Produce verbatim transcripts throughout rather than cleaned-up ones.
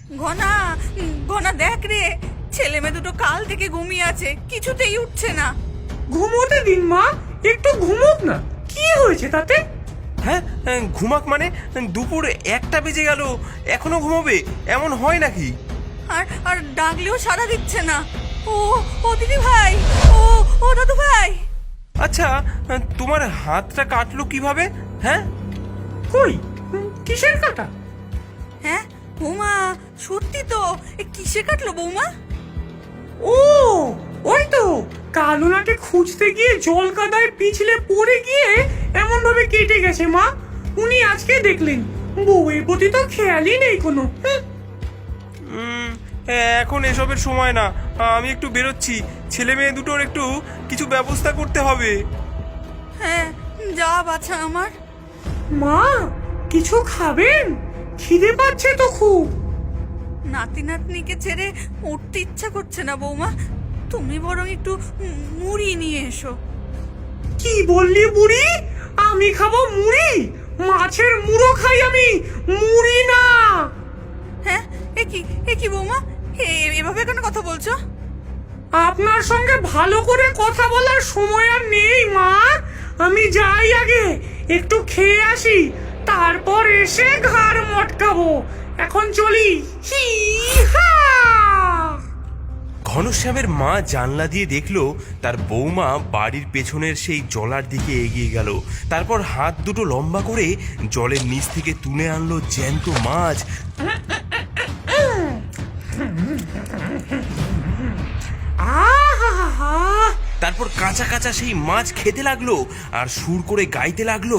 ঘনা, ঘনা দেখ রে, ছেলে মেয়ে দুটো কাল থেকে ঘুমিয়ে আছে, কিছুতেই উঠছে না। ঘুমোতে দিন মা, একটু ঘুমোক না, কি হয়েছে তাতে? হ্যাঁ, ঘুমাক মানে? দুপুর একটা বেজে গেল, এখনো ঘুমোবে? এমন হয় নাকি? আর আর ডাকলেও সাড়া দিচ্ছে না। ও ও দিদি ভাই, ও ও দাদু ভাই। আচ্ছা, তোমার হাতটা কাটলো কিভাবে? হ্যাঁ, কই, কিসের কাটা? হ্যাঁ বৌমা, সত্যি তো, এ কিসে কাটলো বৌমা? ও ওই তো, কালোনাকে খুঁজতে গিয়ে জল কাদায় পিছলে পড়ে গিয়ে এমন ভাবে কেটে গেছে মা। উনি আজকে দেখলেন, বউয়ের প্রতি তো খেয়ালই নেই কোনো। হুঁ। উম, এখন এসবের সময় না, আমি একটু বেরোচ্ছি। ছেলে মেয়ে দুটোর একটু কিছু ব্যবস্থা করতে হবে। হ্যাঁ, যা বাছা আমার। মা, কিছু খাবেন? খিদে পাচ্ছে তো খুব। নাতি নাতনিকে ছেড়ে উঠতে ইচ্ছা করছে না বৌমা, তুমি বরং একটু মুড়ি নিয়ে এসো। কি বললি বুড়ি? আমি খাবো মুড়ি? মাছের মুড়ো খাই আমি, মুড়ি না। হ্যাঁ, এ কি এ কি বৌমা, এ- এভাবে কেন কথা বলছো? আপনার সঙ্গে ভালো করে কথা বলার সময় আর নেই মা। আমি যাই আগে, একটু খেয়ে আসি, তারপর এসে ঘাড় মটকাবো। এখন চলি। হি হা। ঘনশ্যামের মা জানলা দিয়ে দেখলো তার বৌমা বাড়ির পেছনের সেই জলার দিকে এগিয়ে গেল। তারপর হাত দুটো লম্বা করে জলের নিচ থেকে তুলে আনলো জ্যান্ত মাছ। আহা, তারপর কাঁচা কাঁচা সেই মাছ খেতে লাগলো আর সুর করে গাইতে লাগলো।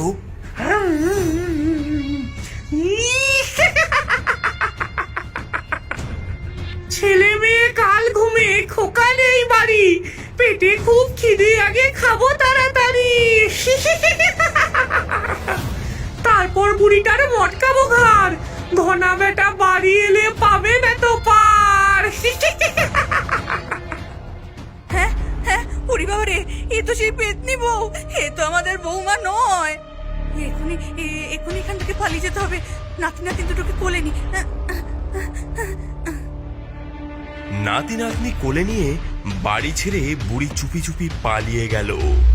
ছেলে মেয়ে কাল ঘুমে, খোকা নেই বাড়ি, পেটে খুব খিদে, আগে খাবো তাড়াতাড়ি। তারপর বুড়িটার মটকাবো ঘাড়, ঘনা বেটা বাড়ি এলে পাবে না তো পার। হ্যাঁ হ্যাঁ, ওরে বাবা রে, এ তো সেই পেতনি বউ, এ তো আমাদের বৌমা নয়। এখনই এ- এখনই এখান থেকে পালিয়ে যেতে হবে, নাতি নাতি দুটোকে কোলে নি। নাতি নাতনি কোলে নিয়ে বাড়ি ছেড়ে বুড়ি চুপি চুপি পালিয়ে গেল।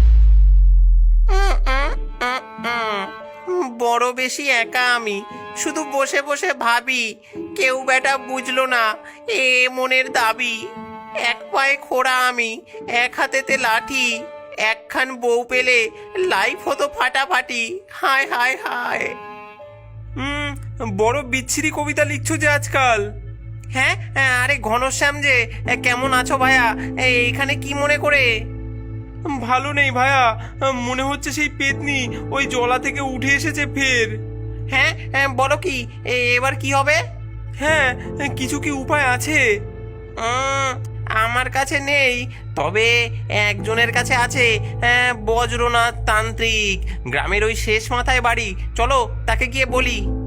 বড় বেশি একা আমি, শুধু বসে বসে ভাবি, কেউ বেটা বুঝলো না এ মনের দাবি। এক পায়ে খোড়া আমি, এক হাতেতে লাঠি, একখান বউ পেলে লাইফ হতো ফাটাফাটি। হায় হায় হায়। হুম, বড় বিচ্ছিরি কবিতা লিখছো যে আজকাল। হ্যাঁ, আরে ঘনশ্যাম যে, কেমন আছো ভাইয়া? এইখানে কি মনে করে? ভালো নেই ভাইয়া, মনে হচ্ছে সেই পেতনি ওই জলা থেকে উঠে এসেছে ফের। হ্যাঁ, বলো কি, এবার কি হবে? হ্যাঁ, কিছু কি উপায় আছে? উম, আমার কাছে নেই, তবে একজনের কাছে আছে। বজ্রনাথ তান্ত্রিক, গ্রামের ওই শেষ মাথায় বাড়ি। চলো তাকে গিয়ে বলি।